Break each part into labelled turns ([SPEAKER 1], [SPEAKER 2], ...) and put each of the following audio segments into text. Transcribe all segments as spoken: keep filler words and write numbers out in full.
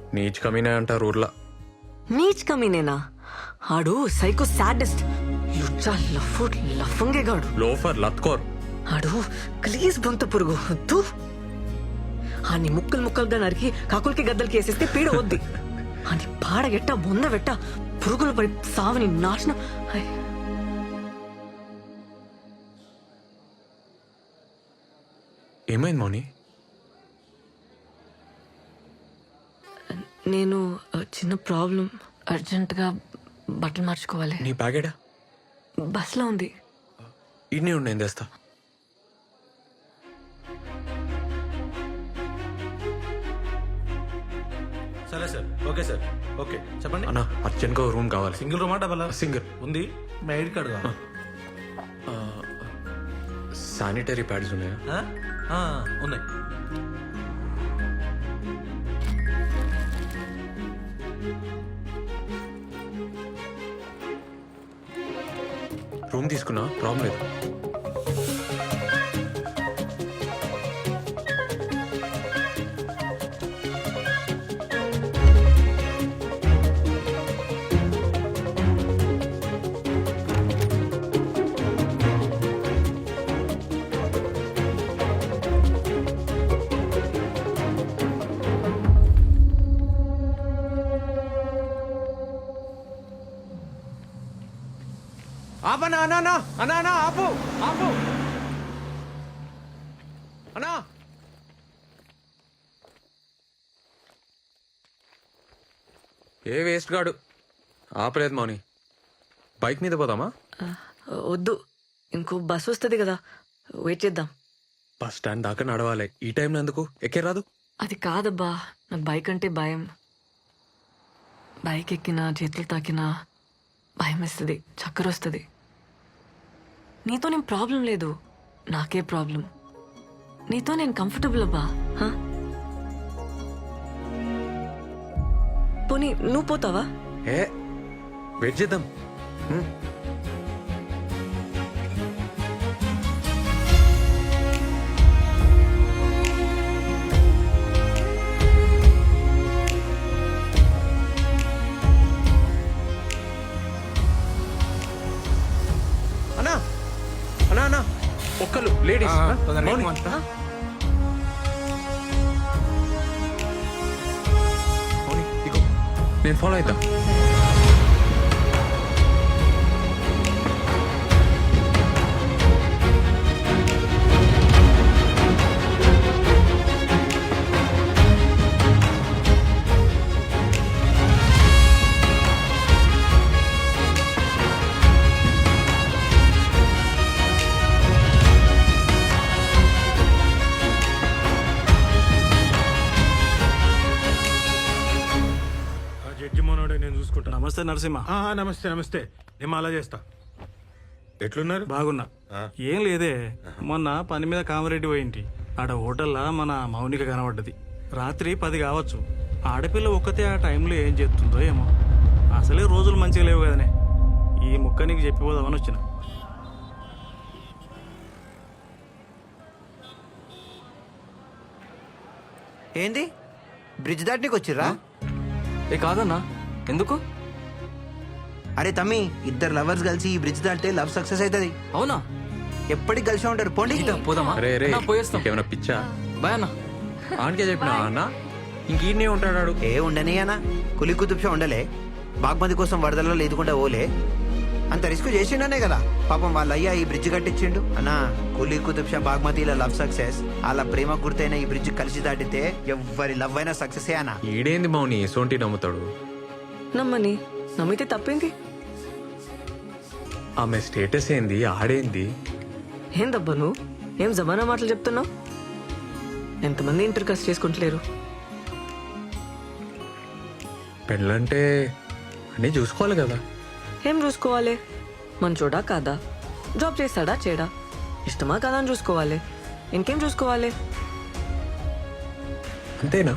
[SPEAKER 1] నీచ్ కమీనే అంటారు ఊర్లో.
[SPEAKER 2] నీచ్ కమీనేనా? ఆడు సైకో సాడెస్ట్, లుచ్చా లఫ్ఫు లఫంగేగాడు,
[SPEAKER 1] లోఫర్ లత్కోర్.
[SPEAKER 2] ఆడు ప్లీజ్ బొంత పురుగు వద్దు. ఆని ముక్కలు ముక్కలుగా నరికి కాకులకి గద్దలకి వేసేస్తే పీడ వద్ది. అని పాడగెట్ట బొంద వెట్ట పురుగులు పడి సావని నాశనం. హై.
[SPEAKER 1] ఏమైంది మౌని?
[SPEAKER 2] నేను ఆ, చిన్న ప్రాబ్లం, అర్జెంటుగా బట్టలు మార్చుకోవాలి.
[SPEAKER 1] నీ బ్యాగేడా?
[SPEAKER 2] బస్లో ఉంది.
[SPEAKER 1] ఇన్నే ఉండి ఏం చేస్తా.
[SPEAKER 3] సరే సార్, ఓకే సార్, ఓకే చెప్పండి.
[SPEAKER 1] అన్నా అర్జెంట్గా రూమ్ కావాలి.
[SPEAKER 3] Single రూమా double?
[SPEAKER 1] సింగిల్
[SPEAKER 3] ఉంది. మీ ఐడి కార్డు కావాలి?
[SPEAKER 1] శానిటరీ ప్యాడ్స్ ఉన్నాయా?
[SPEAKER 3] ఆ? ఆ, ఉన్నాయి.
[SPEAKER 1] రూమ్ తీసుకున్నా, ప్రాబ్లం లేదు. ఆపనా అన్నా అన్నా అన్నా అన్నా ఆపు ఆపు అన్నా. ఏ వేస్ట్ గాడు ఆపలేదు మౌని. బైక్ మీద పోదామా?
[SPEAKER 2] ఆ, వద్దు, ఇంకో బస్ వస్తుంది కదా, వెయిట్ చేద్దాం.
[SPEAKER 1] బస్ స్టాండ్ దాకా నడవాలి. ఈ టైంలో ఎందుకు? ఎక్కే రాదు?
[SPEAKER 2] అది కాదబ్బా, నాకు బైక్ అంటే భయం. బైక్ ఎక్కినా చేతులు తాకినా భయం వేస్తుంది, చక్కర వస్తుంది. నీతో నేను ప్రాబ్లం లేదు, నాకే ప్రాబ్లం. నీతో నేను కంఫర్టబుల్ అబ్బా. హా? పోనీ నువ్వు పోతావా?
[SPEAKER 1] ఏ వెయిట్ చేద్దాం. హ్మ్. అన్నా అన్నా అన్నా ఒక్కలు లేడీస్. మౌని. మౌని, ఇగో నేను ఫాలో అవుతా.
[SPEAKER 4] జడ్జి మనోడే, నేను చూసుకుంటా.
[SPEAKER 3] నమస్తే నరసింహ.
[SPEAKER 4] ఆ, నమస్తే నమస్తే. నేను అలా చేస్తా. ఎట్లున్నారు?
[SPEAKER 3] బాగున్నా.
[SPEAKER 4] ఆ.
[SPEAKER 3] ఏం లేదే, మొన్న పని మీద కామరెడ్డి పోయింటి. ఆడ హోటల్లా మన మౌనిక కనబడ్డది. రాత్రి పది కావచ్చు. ఆడపిల్ల ఒక్కతే ఆ టైంలో ఏం చేస్తుందో ఏమో. అసలే రోజులు మంచిగా లేవు కదనే. ఈ ముక్క నీకు చెప్పిపోదామని వచ్చిన.
[SPEAKER 5] ఏంది బ్రిడ్జ్ దాటనీకి వచ్చిర్రా?
[SPEAKER 6] ఏ కాదన్నా, ఎందుకు?
[SPEAKER 5] అరే తమ్మి, ఇద్దరు లవర్స్ కలిసి ఈ బ్రిడ్జ్ దాటితే లవ్ సక్సెస్ అవుతుంది.
[SPEAKER 6] అవునా?
[SPEAKER 5] ఎప్పటికి కలిసి ఉంటారు. పోండి.
[SPEAKER 6] ఇదా, పోదామా?
[SPEAKER 1] రే రే
[SPEAKER 6] అన్నా, పోయేస్తాం.
[SPEAKER 1] ఏమైనా పిచ్చా?
[SPEAKER 6] బాయ్ అన్నా.
[SPEAKER 1] ఆనకే చెప్పినా అన్న ఇంకీడనే ఉంటాడు.
[SPEAKER 5] ఏ ఉండని అన్న, కులి కుతుబ్షా ఉండలే. బాగ్మతి కోసం వరదల్లో లేదుకుండా ఓలే. అంత రిస్క్ చేసిండనే కదా పాపం వాళ్ళ అయ్యా ఈ బ్రిడ్జ్ కట్టించిండు. అన్నా, కులి కుతుబ్షా బాగ్మతిల లవ్ సక్సెస్, వాళ్ళ ప్రేమ గుర్తైన ఈ బ్రిడ్జ్ కలిసి దాటితే ఎవ్వరి లవ్ అయినా సక్సెస్ అన్నా.
[SPEAKER 1] ఈడేంది మౌని సోంటి నమ్ముతాడు?
[SPEAKER 2] నమ్మని, నమ్మితే తప్పేంది?
[SPEAKER 1] ఆమె స్టేటస్ ఏంది, ఆడేంది?
[SPEAKER 2] ఏందబ్బా నువ్వు ఏం జమానా మాటలు చెప్తున్నావు? ఎంతమంది ఇంటర్ కాస్ట్ చేసుకుంటలేరు?
[SPEAKER 1] పెళ్ళంటే అన్నీ చూసుకోవాలి కదా.
[SPEAKER 2] ఏం చూసుకోవాలి? మంచోడా కాదా, జాబ్ చేస్తాడా చేయడా, ఇష్టమా కాదా అని చూసుకోవాలి. ఇంకేం చూసుకోవాలి?
[SPEAKER 1] అంతేనా?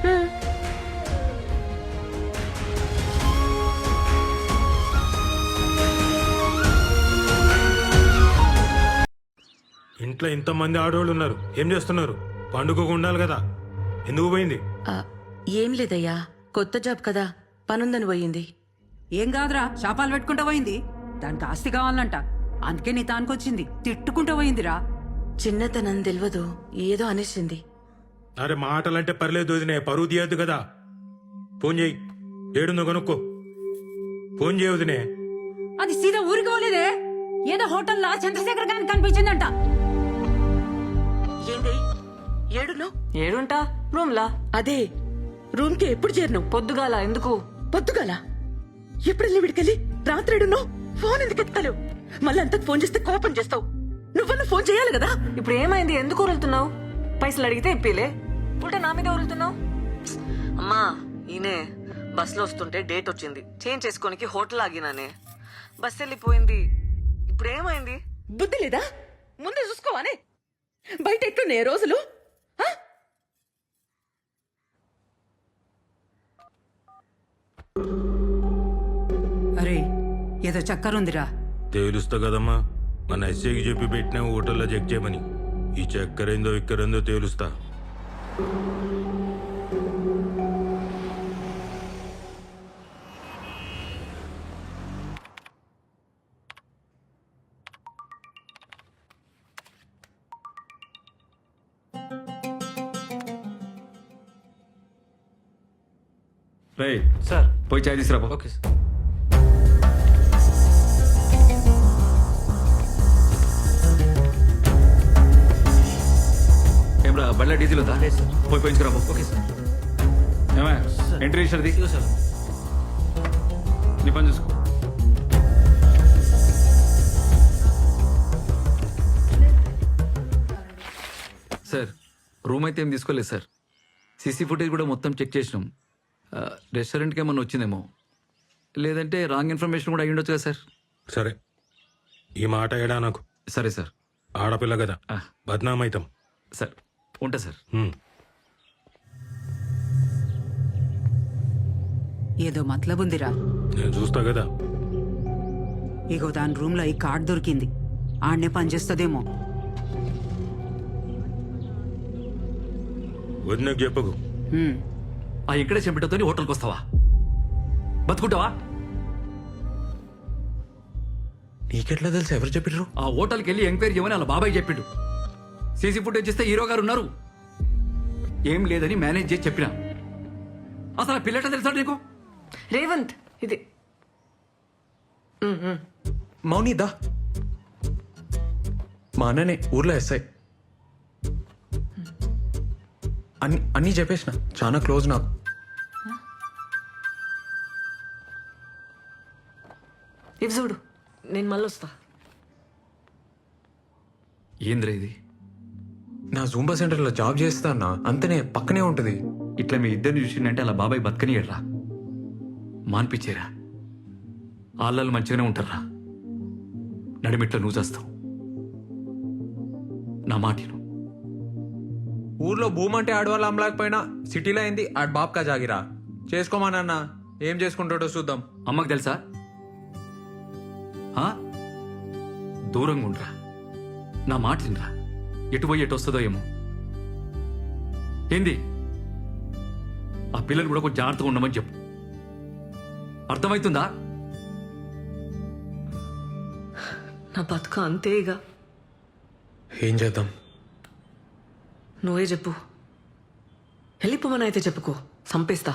[SPEAKER 4] ఇంట్లో ఇంతమంది ఆడవాళ్ళు ఉన్నారు, ఏం చేస్తున్నారు? పండుగకు ఉండాలి కదా, ఎందుకు పోయింది?
[SPEAKER 7] ఆ, ఏం లేదయ్యా, కొత్త జాబ్ కదా పనుందని పోయింది.
[SPEAKER 8] ఏం కాదురా, శాపాలు పెట్టుకుంటూ పోయింది. దానికి ఆస్తి కావాలంట, అందుకే నీ తానుకొచ్చింది. తిట్టుకుంటూ పోయిందిరా.
[SPEAKER 7] చిన్నతనం తెలియదు, ఏదో అనేసింది.
[SPEAKER 4] అరే మాటలంటే పర్లేదు వదినే, పరువు తీయద్దు కదా. ఫోన్ చేయి, ఏడుందో కనుక్కో. ఫోన్ చేయ వదినే.
[SPEAKER 8] అది సీదా ఊరికి పోలేదే, ఏదో హోటల్లో చంద్రశేఖర్ గారికి కనిపించిందంట.
[SPEAKER 7] ఏంది ఏడును?
[SPEAKER 2] ఏడుంటా రూమ్లా.
[SPEAKER 7] అదే రూమ్ కి ఎప్పుడు చేరినావు?
[SPEAKER 2] పొద్దుగాల ఎందుకు?
[SPEAKER 7] పొద్దుగాల ఎప్పుడెళ్ళి విడికెళ్ళి రాత్రేడును ఫోన్ ఎందుకు ఎత్తావు? మళ్ళీ అంతకు ఫోన్ చేస్తే కోపం చేస్తావు. నువ్వన్నా ఫోన్ చేయాలి కదా.
[SPEAKER 2] ఇప్పుడు ఏమైంది? ఎందుకు ఉరులుతున్నావు? పైసలు అడిగితే ఇప్పిలే, ఉల్టా నా మీద ఉరులుతున్నావు. అమ్మా ఈయనే బస్సులో వస్తుంటే డేట్ వచ్చింది, చేంజ్ చేసుకోనికి హోటల్ ఆగినానే. బస్ వెళ్ళిపోయింది. ఇప్పుడు ఏమైంది?
[SPEAKER 7] బుద్ధి లేదా? ముందే చూసుకోవానే. బయట ఎట్లున్నాయి రోజులు? ఆ?
[SPEAKER 8] అరే ఏదో చక్కరుందిరా.
[SPEAKER 4] తేలుస్తా కదమ్మా, మన ఎస్ఐకి చెప్పి పెట్టినా హోటల్లో చెక్ చేయమని. ఈ చక్కెరేందో ఇక్కరేందో తేలుస్తా.
[SPEAKER 9] రే
[SPEAKER 3] సార్.
[SPEAKER 9] పోయి చాయ్ తీసుకురా.
[SPEAKER 3] Okay sir.
[SPEAKER 9] ఏమరా బండ్ల డీజిల్ ఉందా?
[SPEAKER 3] లేదు సార్.
[SPEAKER 9] పోయి పోయించుకురా.
[SPEAKER 3] Okay sir.
[SPEAKER 9] ఏమా
[SPEAKER 3] సార్.
[SPEAKER 9] ఎంట్రీ ఇచ్చారది?
[SPEAKER 3] ఇదిగో సార్.
[SPEAKER 9] నీ పని చూసుకో. సార్ రూమ్ అయితే ఏం తీసుకోలేదు సార్. సీసీ ఫుటేజ్ కూడా మొత్తం చెక్ చేసినాం. ఆ, రెస్టారెంట్కి ఏమన్నా వచ్చిందేమో, లేదంటే రాంగ్ ఇన్ఫర్మేషన్ కూడా అయ్యుండొచ్చు కదా సార్.
[SPEAKER 4] సరే, ఈ మాట ఏడా నాకు.
[SPEAKER 9] సరే సార్.
[SPEAKER 4] ఆడపిల్ల కదా,
[SPEAKER 9] ఆ.
[SPEAKER 4] బద్నామైతాం.
[SPEAKER 9] సార్ ఉంటా సార్.
[SPEAKER 4] హ్మ్.
[SPEAKER 8] ఏదో మతలబుందిరా.
[SPEAKER 4] నేను చూస్తా కదా.
[SPEAKER 8] ఇగో దాని రూమ్ లో ఈ కార్డ్ దొరికింది, ఆడనే పనిచేస్తుందేమో.
[SPEAKER 4] వదినకు చెప్పకు.
[SPEAKER 8] హ్మ్.
[SPEAKER 9] ఆ ఇక్కడే చెంపటతో హోటల్కి వస్తావా? బతుకుంటావా?
[SPEAKER 1] నీకెట్లా తెలుసు? ఎవరు చెప్పిర్రు?
[SPEAKER 9] ఆ హోటల్కి వెళ్ళి ఎంక్వైరీ చేయమని వాళ్ళ బాబాయ్ చెప్పిండు. సీసీ ఫుటేజ్ ఇస్తే హీరో గారు ఉన్నారు. ఏం లేదని మేనేజ్ చేసి చెప్పిన. అసలు ఆ పిల్లట తెలుసా నీకు?
[SPEAKER 2] రేవంత్ ఇది
[SPEAKER 1] మౌని దా. మా అన్ననే ఊర్లో ఎస్ఐ. అన్ని అన్నీ చెప్పేసిన, చాలా క్లోజ్ నాకు.
[SPEAKER 2] ఇవి చూడు, నేను మళ్ళీ వస్తా.
[SPEAKER 9] ఏంద్రా ఇది?
[SPEAKER 1] నా జూంబా సెంటర్లో జాబ్ చేస్తా అన్న, అంతనే పక్కనే ఉంటుంది.
[SPEAKER 9] ఇట్లా మీ ఇద్దరిని చూసిందంటే అలా బాబాయ్ బతకనియడ్రా, మాన్పించేరా. ఆళ్ళలు మంచిగానే ఉంటారా. నడిమిట్లో నువ్వు చేస్తావు. నా మాటిను.
[SPEAKER 1] ఊర్లో భూమి అంటే ఆడవాళ్ళు అమ్మలేకపోయినా సిటీలో అయింది ఆడ బాబ్కా జాగిరా. చేసుకోమానన్న, ఏం చేసుకుంటాడో చూద్దాం.
[SPEAKER 9] అమ్మకు తెలుసా? ఆ? దూరంగా ఉండరా. నా మాట తినరా. ఎటు పోయి ఎటు వస్తుందో ఏమో. ఏంది? ఆ పిల్లలు కూడా కొంచెం జాగ్రత్తగా ఉండమని చెప్పు. అర్థమవుతుందా?
[SPEAKER 2] నా బతుక అంతే ఇక.
[SPEAKER 1] ఏం చేద్దాం?
[SPEAKER 2] నువ్వే చెప్పు. వెళ్ళిపోమని అయితే చెప్పుకో, సంపేస్తా.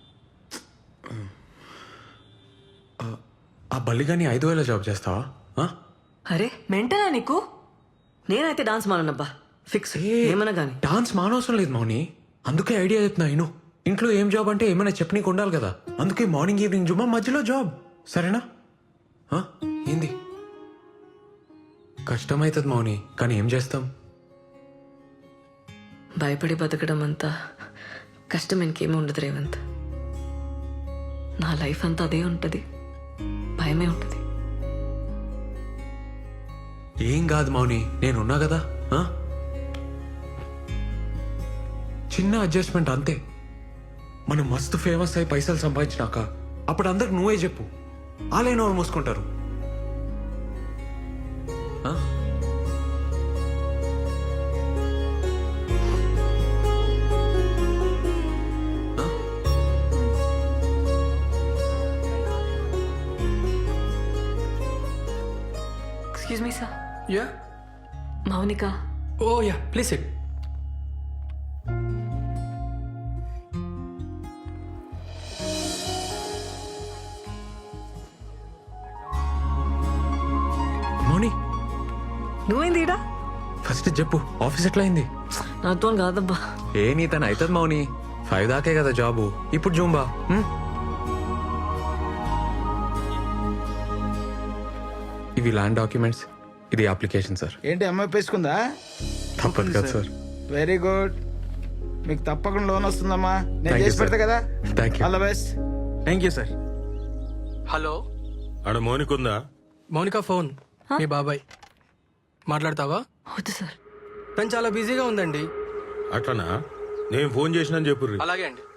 [SPEAKER 1] ఆ బల్లిగాని ఐదు వేల జాబ్ చేస్తావా? ఆ?
[SPEAKER 2] అరే మెంటనా నీకు? నేనైతే డాన్స్ మానబ్బా, ఫిక్స్. ఏమన్నా గానీ
[SPEAKER 1] డాన్స్ మానవసరం లేదు మౌని, అందుకే ఐడియా చెప్తున్నా. నేను ఇంట్లో ఏం జాబ్ అంటే ఏమైనా చెప్పనీకి ఉండాలి కదా, అందుకే మార్నింగ్ ఈవినింగ్ జుమ్మా, మధ్యలో జాబ్. సరేనా? ఆ? ఏంది? కష్టమవుతుంది మౌని, కానీ ఏం చేస్తాం?
[SPEAKER 2] భయపడి బతకడం అంతా కష్టం ఇంకేమీ ఉండదు రేవంత్. నా లైఫ్ అంతా అదే ఉంటుంది, భయమే ఉంటుంది.
[SPEAKER 1] ఏం కాదు మౌని, నేనున్నా కదా. ఆ? చిన్న అడ్జస్ట్మెంట్ అంతే. మనం మస్తు ఫేమస్ అయి పైసలు సంపాదించినాక అప్పుడు అందరికి నువ్వే చెప్పు, ఆలే నోరు మూసుకుంటారు. ఆ? ఆ?
[SPEAKER 2] Excuse me sir
[SPEAKER 10] yeah
[SPEAKER 2] Mounika
[SPEAKER 10] ఓ యా ప్లీజ్ సిట్
[SPEAKER 1] మౌని
[SPEAKER 2] నువ్వేంది ఈడ
[SPEAKER 1] ఫస్ట్ చెప్పు ఆఫీస్ ఎట్లా అయింది?
[SPEAKER 2] నాతో కాదబ్బా.
[SPEAKER 1] ఏ నీ తను అవుతుంది మౌని, ఫైవ్ దాకే కదా జాబు. ఇప్పుడు జూంబా. హ్మ్? ఇవి ల్యాండ్ డాక్యుమెంట్స్, ఇది అప్లికేషన్ సార్.
[SPEAKER 11] ఏంటి అమ్మాయి పేసుకుందా?
[SPEAKER 1] తప్పదు కదా సార్.
[SPEAKER 11] వెరీ గుడ్, మీకు తప్పకుండా లోన్ వస్తుందమ్మా. నేను
[SPEAKER 1] Thank you,
[SPEAKER 11] చేసి పెడతా
[SPEAKER 1] sir.
[SPEAKER 11] కదా.
[SPEAKER 1] Thank you.
[SPEAKER 11] All the best.
[SPEAKER 3] Thank you sir.
[SPEAKER 10] Hello
[SPEAKER 4] ఆడ మౌనికుందా?
[SPEAKER 10] మౌనిక ఫోన్ మీ బాబాయ్ మాట్లాడతావా?
[SPEAKER 2] వద్దు సార్.
[SPEAKER 10] తను చాలా బిజీగా ఉందండి.
[SPEAKER 4] అట్లనా? నేను ఫోన్ చేసినా చెప్పుర్రి.
[SPEAKER 10] అలాగే అండి.